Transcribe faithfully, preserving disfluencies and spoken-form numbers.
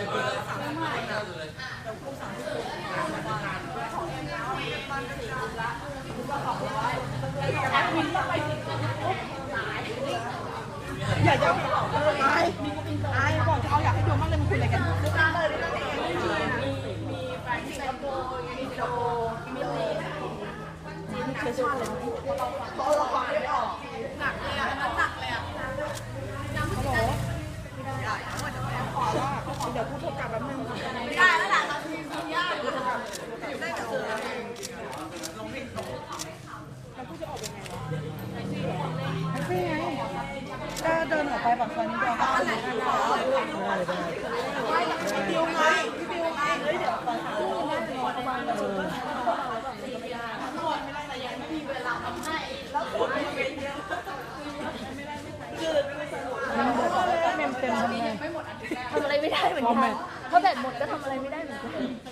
อยากจะไอ้ไอ้บอกเขาอยากให้ดูมากเลยมันคุยอะไรกันมีแฟนสิงคโปร์มีโดมีเลจีนเชื้อชาติเลยเพราะเราฟังไม่ออกหนักเลยอ่ะมันหนักเลยอ่ะฮัลโหลขอว่าเดี๋ยวพูดโทรกลับแป๊บนึงไม่ได้แล้วล่ะเราทีมยากได้กับเธอลงเพลงแล้วพูดจะออกยังไงวะแท็กซี่แท็กซี่ไงก็เดินออกไปปากซอยนี้เดียวค่ะได้ได้พี่บิวไงพี่บิวไงเฮ้ยเดี๋ยวตอนเช้าไม่ได้ประมาณเออไม่ได้แต่ยังไม่มีเวลาทำให้แล้วฝนมันเป็นเยอะไม่ได้ไม่ใส่คือไม่ใส่เมมเต็มทำไงทำอะไรไม่ได้เหมือนกันถ้าแบตหมดก็ทำอะไรไม่ได้เหมือนกัน